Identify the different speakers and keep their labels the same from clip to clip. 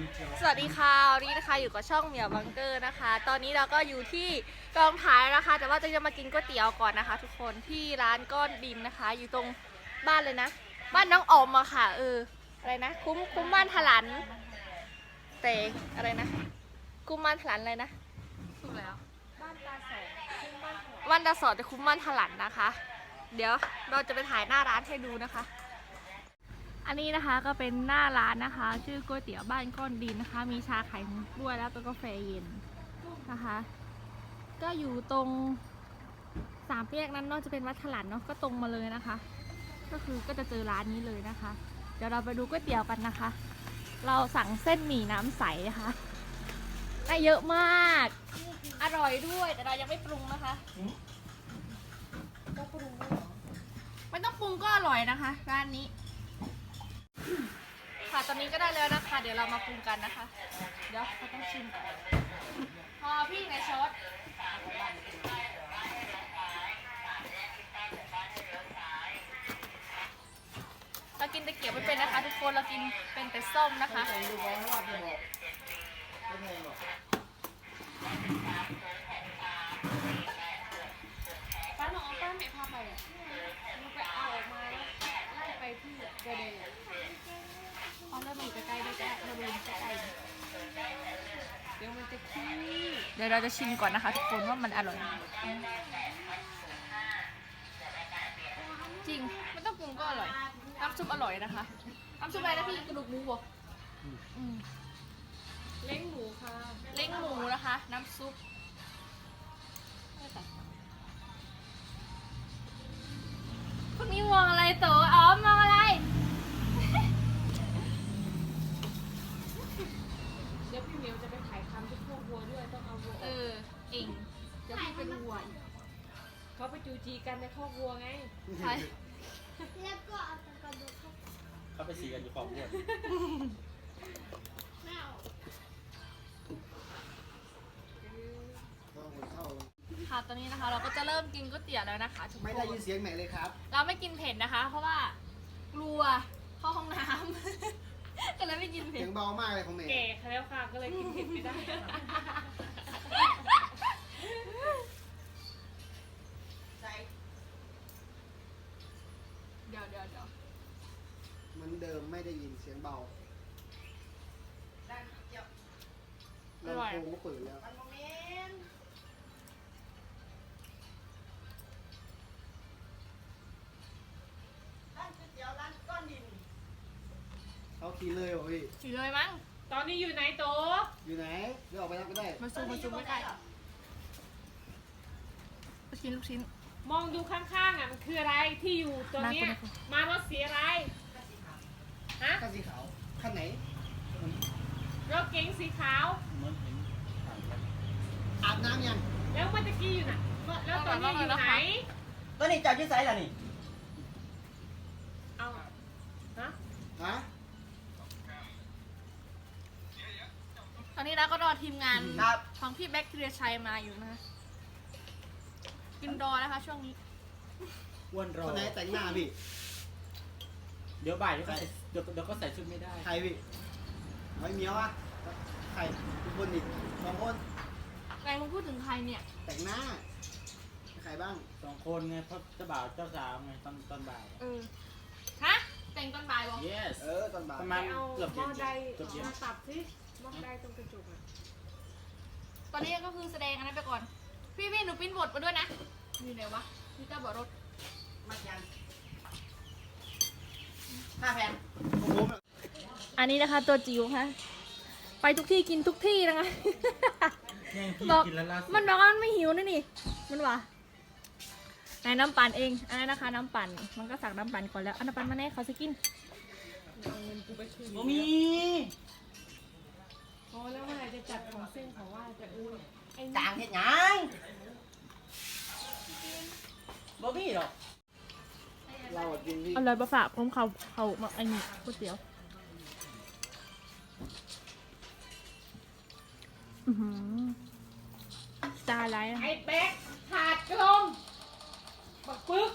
Speaker 1: สวัสดีค่ะวันนี้นะคะอยู่กับช่องเหมียวบังเกอร์นะคะ ตอนนี้เราก็อยู่ที่กองถ่ายนะคะ แต่ว่าจะมากินก๋วยเตี๋ยวก่อนนะคะ ทุกคนที่ร้านก้อนดินนะคะ อยู่ตรงบ้านเลยนะ บ้านน้องออมอะค่ะอะไรนะคุ้มบ้านถลันแต่อะไรนะคุ้มบ้านถลันอะไรนะถูกแล้วบ้านตาสอบ้านตาสอจะคุ้มบ้านถลันนะคะ เดี๋ยวเราจะไปถ่ายหน้าร้านให้ดูนะคะ อันนี้นะคะก็เป็นหน้าร้านนะคะ ชื่อก๋วยเตี๋ยวบ้านก้อนดินนะคะ มีชาไข่มุกด้วยแล้วก็กาแฟเย็นนะคะ ก็อยู่ตรงสามแยกนั้นเนอกจะเป็นวัดถลันเนาะก็ตรงมาเลยนะคะ ก็จะเจอร้านนี้เลยนะคะ เดี๋ยวเราไปดูก๋วยเตี๋ยวกันนะคะ เราสั่งเส้นหมี่น้ำใสนะคะได้เยอะมากอร่อยด้วยแต่เรายังไม่ปรุงนะคะต้องปรุงด้วยเหรอไม่ต้องปรุงก็อร่อยนะคะร้านนี้ค่ะตอนนี้ก็ได้แล้วนะคะเดี๋ยวเรามาปรุงกันนะคะเดี๋ยวเราต้องชิมก่อนพอพี่ในช็อตเรากินตะเกียบไม่เป็นนะคะทุกคนเรากินเป็นแต่ส้มนะคะป้าหนอป้าไม่พาไปอ่ะมันไปเอาออกมาแล้วไล่ไปที่เกระเดยเอาเริ่มอยู่ใกล้ๆด้วยจ้ะเราดูใกล้ๆเดี๋ยวมันจะขี้เดี๋ยวเราจะชิมก่อนนะคะทุกคนว่ามันอร่อยจริงไม่ต้องปรุงก็อร่อยน้ำซุปอร่อยนะคะน้ำซุปอะไรนะพี่กระดูกหมูบอกเล้งหมูค่ะเล้งหมูนะคะน้ำซุปพวกนี้มองอะไรโตอ๋อมองอะไร
Speaker 2: เดี๋ยวพี่เหมียวจะไปถ่ายทำที่พวกวัวด้วยต้องเอาวัว
Speaker 1: เองเดี๋ยวพี่เป็นวัวอีก
Speaker 2: เขาไปจูจีกันในคอกวัวไง
Speaker 1: ใช่
Speaker 3: แล้วก็เอาตะกระดูก
Speaker 4: เขาไปสีกันอยู่ของอ้วน
Speaker 3: ไม่เอา
Speaker 1: ค่ะตอนนี้นะคะเราก็จะเริ่มกินก๋วยเตี๋ยวแล้วนะคะทุกคน
Speaker 5: ไม่ได้ยินเสียงไหนเลยครับ
Speaker 1: เราไม่กินเผ็ดนะคะ เพราะว่ากลัวเข้าห้องน้ำ ก็เลยไม่กินเผ็
Speaker 5: เสี
Speaker 1: ด
Speaker 5: ยงเบามากเลยของเมย์
Speaker 2: แก่แล้วค่ะก็เลยกินเผ็ดไม่ได้
Speaker 1: เดี๋ยว
Speaker 5: เหมือนเดิมไม่ได้ยินเสียงเบาลำโพงก็เปิดแล้วเขาขี่เลยเหรอพี่
Speaker 1: ฉีเลยมั้ง
Speaker 2: ตอนนี้อยู่ไหนโต
Speaker 5: อยู่ไหนเดี๋ยวออกไปรับก็ได้
Speaker 1: มาซูมไม่ใกล้ลูกชิ้น
Speaker 2: มองดูข้างๆอ่ะมันคืออะไรที่อยู่ตัวเนี้ยมารถสีอะไรฮะ
Speaker 5: ขั้นสีขาวขั้นไหน
Speaker 2: รถเก๋งสีขาว
Speaker 4: เหมือนเห็นผ่านกัน
Speaker 5: อาบน้ำยัง
Speaker 2: แล้วเมื่อกี้อยู่ไหนแล้วตอนนี้อยู่ไหน
Speaker 4: ตอนนี้จอดที่ไซส์ล่ะนี่
Speaker 2: เอาฮะ
Speaker 5: ฮะ
Speaker 1: ตอนนี้เราก็รอทีมงาน
Speaker 4: ครับ
Speaker 1: ของพี่แบ็คทีเรียชัยมาอยู่นะคะกินรอนะคะช่วงนี้
Speaker 4: อ้วนรอ
Speaker 5: คนไหนแต่งหน้าพี่
Speaker 4: เดี๋ยวบ่ายเดี๋ยวก็ใส่ชุดไม่ได้
Speaker 5: ใครพี่ไอ้เหมียวอะใครทุกคนดิสองคน
Speaker 1: แกมึงพูดถึงใครเนี่ย
Speaker 5: แต่งหน้าใครบ้าง
Speaker 4: 2 คนไงเพราะเจ้าบ่าวเจ้าสาวไงตอนบ่าย
Speaker 1: ฮะแต่งตอนบ่ายบอก
Speaker 4: yes
Speaker 5: ตอนบ่าย
Speaker 4: ประมาณ
Speaker 2: เอา
Speaker 4: เกือบ
Speaker 2: หม้อใด
Speaker 4: เกือบเย็น
Speaker 2: มาตัดสิหม้อใดตรงกระจกอ่ะ
Speaker 1: ตอนนี้ก็คือแสดงอันนั้นไปก่อนพี่หนูปริ้นบทมาด้วยนะอยู่ไหนวะพี่เจ้าบอกรถ
Speaker 4: 5 แผ่น
Speaker 5: โอ้โห
Speaker 1: อันนี้นะคะตัวจิ๋วค่ะไปทุกที่กินทุกที่นะคะ
Speaker 4: แย่งพี่
Speaker 1: บอก
Speaker 4: กินแล้วล่าสุด
Speaker 1: มันบอกว่ามันไม่หิวนะนี่มันวะไหนน้ำปั่นเองอันนั้นนะคะน้ำปั่นมันก็สั่งน้ำปั่นก่อนแล้วอันน้ำปั่นมาแน่เขาจะกิน
Speaker 2: เอาเงินกูไปคืน
Speaker 4: บ่มี
Speaker 2: พอแล้วเมื่อไหร่จะจัดของเส้นของว่าจะอุ้ยไอ้
Speaker 4: จางเฮ็ดหยังบ่มีหรอก
Speaker 5: เราอะกินพี่
Speaker 1: เอาเลยมาฝากผมเขามาไอ้นี่ก๋วยเตี๋ยวตาไรนะ
Speaker 2: ไอ้เป๊กขาดกลมบักปึ๊ก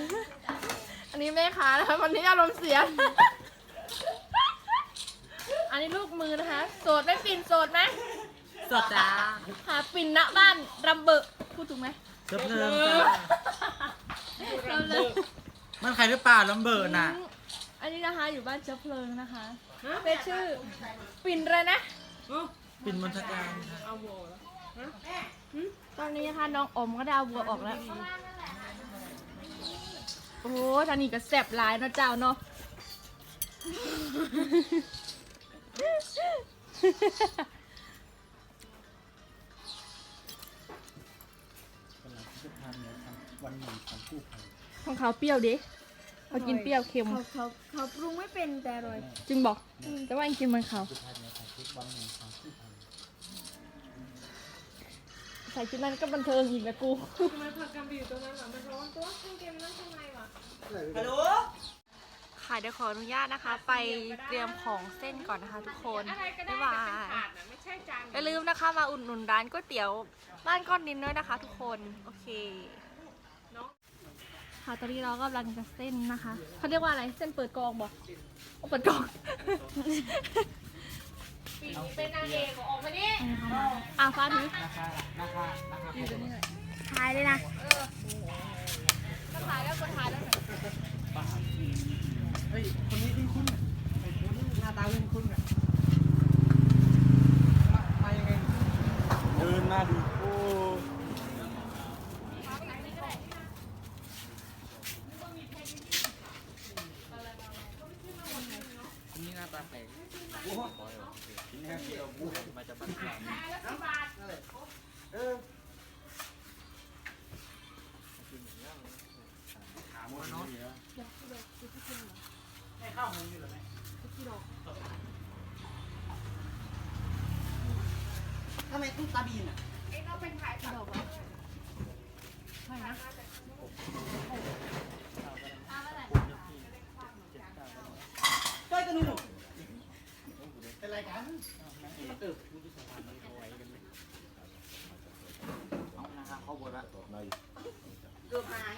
Speaker 1: อันนี้แม่ค้านะคะวันนี้อารมณ์เสียอันนี้ลูกมือนะคะ โสดไหมปิ่นโสดไหม
Speaker 4: สดจ้า
Speaker 1: หาปิ่นณบ้านรำเบอพูดถูกไหม
Speaker 4: เชิญเริ่มจ้าร
Speaker 1: ำเลย
Speaker 4: มันใครหรือเปล่าลำเบิดน่ะ
Speaker 1: อันนี้นะคะอยู่บ้านเชื้อเพลิงนะคะเป็นชื่อ ปิ่นอะไรนะ
Speaker 4: ปิ่นมณฑการ
Speaker 2: เอาโบแล้ว
Speaker 1: ตอนนี้นะคะน้องอมก็ดาวบัวออกแล้ว โอ้โหทางนี้ก็แซ่บหลายเนาะเจ้าเนาะ
Speaker 5: วันหนึ่งทำกู้ภัย
Speaker 1: ของเขาเปรี้ยวดิเขากินเปรี้ยวเค็ม
Speaker 3: เขาปรุงไม่เป็นแต่อร่อย
Speaker 1: จึงบอก แต่ว่าอันกินเหมันเขา
Speaker 5: กู้ภัยเนี่ยทำทุกวันหนึ่งทำกู้ภัย
Speaker 1: ใส่ชุดนั้นก็บันเทิงอีกนะกู
Speaker 2: ทำไมผักกำไปอยู่ตรงนั้นวะมันร้อนตัวเครื่องเกมนั่งข้างในวะ
Speaker 5: ฮัลโหล
Speaker 1: ค่ะเดี๋ยวขออนุญาตนะคะ ไปเตรียมของเส้นก่อนนะคะทุกคน
Speaker 2: อะไรก็ได้
Speaker 1: บ๊าย
Speaker 2: แต่
Speaker 1: บา
Speaker 2: เป็น
Speaker 1: ย
Speaker 2: ถาดนะไม่ใช่จาน
Speaker 1: อย่าลืมนะคะมาอุดหนุนร้านก๋วยเตี๋ยวบ้านก้อนดินด้วยนะคะ ทุกคน โอเค
Speaker 2: น้อง
Speaker 1: ค่ะตอนนี้เราก็กำลังจะเส้นนะคะเขาเรียกว่าอะไรเส้นเปิดกองบอกเปิดกอง
Speaker 2: ปีนี้เป็นนางเอกออกมาดิ
Speaker 1: ฟ้าถือ
Speaker 3: ถ่ายเลยนะ
Speaker 1: ก็ถ่ายแล้วก็ถ่ายแล้ว
Speaker 5: เฮ้ยคนนี้คุ้นๆหน้าตาคุ้นๆอ่ะมายังไงเดินมาดูโอ้
Speaker 4: นี่หน้าตาแปลก
Speaker 5: โหกินแค่เดียวบู
Speaker 4: มาจากบ้านกลาง
Speaker 5: ถามว่าน้องให้เข้ามึงอยู่หรือไม่ทำไมต้องตาบีนอ่ะ
Speaker 2: เอ็งเอาเป็นถ่ายผัก
Speaker 5: ช่วยกันหนูเป็นไรกัน
Speaker 4: เอานะครับเข้าบทละ
Speaker 5: เกือบหาย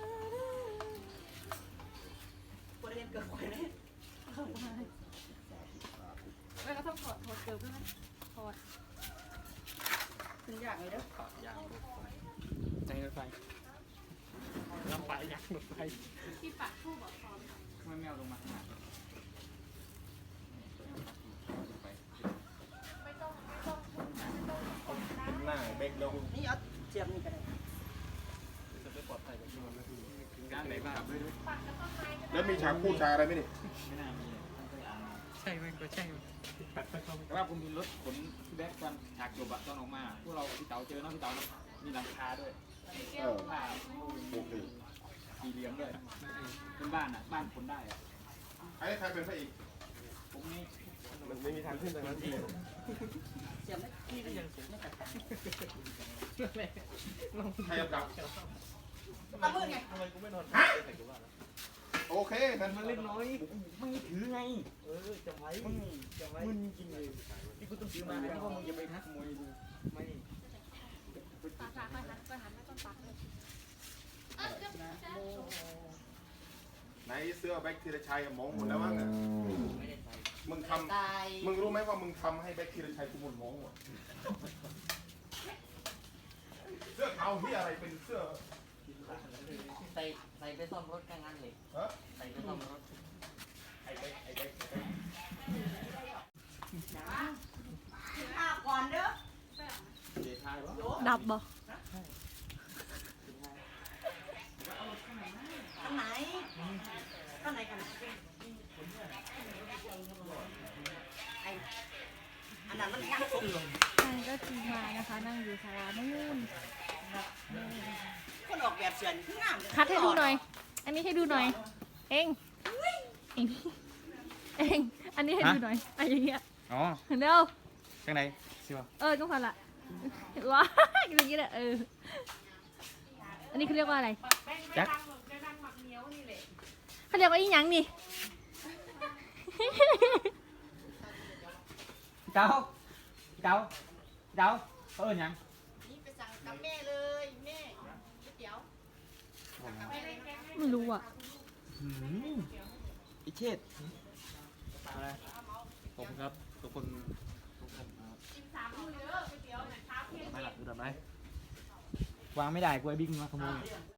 Speaker 5: ปวดเรียนเกือบควายเลย
Speaker 1: แล้วก็ต้องถอดเกลือด้วยไหมถอด
Speaker 5: ขึ้นยากเลยเด้อ
Speaker 4: อยากใจรถไฟลำไปยักษ์รถไฟ
Speaker 1: ที่ปัดคู่บอกพร้อม
Speaker 4: ไม่แมวลงมาข้างหน้า
Speaker 6: หน้าเบกลง
Speaker 5: นี่เอาเจียมนี่ก็ได้
Speaker 4: จะไปปลอดภัยกับที่มันไม่ถึงด้านไหนบ้าง
Speaker 6: แล้วมีฉากพูดฉากอะไรไหมนี่
Speaker 4: ไม่น่ามีใช่ไหมก็ใช่แต่ว่าผมมีรถขนที่แบ็คกันฉากจบอะตอนออกมาพวกเราพี่เต๋าเจอน้องพี่เต๋ามีหลังคาด้วย
Speaker 6: เออ
Speaker 4: ผ้า
Speaker 6: โอเค
Speaker 4: สีเหลืองด้วยเป็นบ้านอะบ้านคนได้อะ
Speaker 6: ไอ้ใครเป็นพระเอก
Speaker 4: ผมนี่
Speaker 6: มันไม่มีทางขึ้นตรงนั้นที่
Speaker 5: เจียมได้ที่ก็ยังสูงไม่กัด
Speaker 6: ใครจะดับ
Speaker 5: ตามืดไง
Speaker 6: โอเคนั่นมันเล่นน้อย
Speaker 4: มึงถือไงจำไว้มึงจริงเลยที่กูต้องซื้อมาที่ว่ามึงอย่าไปทักขโมยดูไม่
Speaker 1: ปากค่อยหันไม่ต้องปักเลย
Speaker 6: ไหนเสื้อแบ็คทีรชัยมองหมดแล้วมั้งอะมึงท
Speaker 5: ตาย
Speaker 6: ำมึงรู้ไหมว่ามึงทำให้แบ็คทีรชัยกูหมดมองหมดเสื้อเทาที่อะไรเป็นเสื้อ
Speaker 7: ใส่ไปซ่อมรถกันงั้นเลย
Speaker 6: ฮะ
Speaker 7: ใส่ไปซ่อมรถ
Speaker 6: ไอ้แบ็คไอ้แบ็ค
Speaker 5: ข้าวก่อนเด้อ
Speaker 4: เจ๊ทายวะ
Speaker 1: ดับบ่
Speaker 5: อันไหนอันไหนกันไอ้อันนั้นมันยังสูง
Speaker 1: ใช่ก็ทีมงานนะคะ นั่งอยู่ศาลานู่น
Speaker 5: คนออกแบบเสือนคืองามเลย
Speaker 1: คัดให้ดูหน่อย อันนี้ให้ดูหน่อย เองเองอันนี้ให้ดูหน่อยอะไรอย่างเงี้ย
Speaker 4: อ๋อ
Speaker 1: เร็ว
Speaker 4: ข้างในสิวะ
Speaker 1: จุ๊กพันละว้าอย่างเงี้ยแหละอันนี้เขาเรียกว่าอะไร
Speaker 2: แป้งไม่ดังหมักเหนียวนี่แหละ
Speaker 1: เขาเรียกว่าอีหยังนี่
Speaker 4: เจ้าเจ้าเจ้าเออยัง
Speaker 5: นี่ไปสั่งกับแม่เลยแม่ก๋วยเตี๋ยว
Speaker 1: ไม่รู้อ่ะ
Speaker 4: อิเชษอะไรผมครับทุกคน
Speaker 2: กิน3 มื้อเด้อก๋วยเตี๋ยวน่ะเช้าเที่ยง
Speaker 4: ไม่หลับดูดับไหมวางไม่ได้กลัวไอ้บิ๊กมาขโมย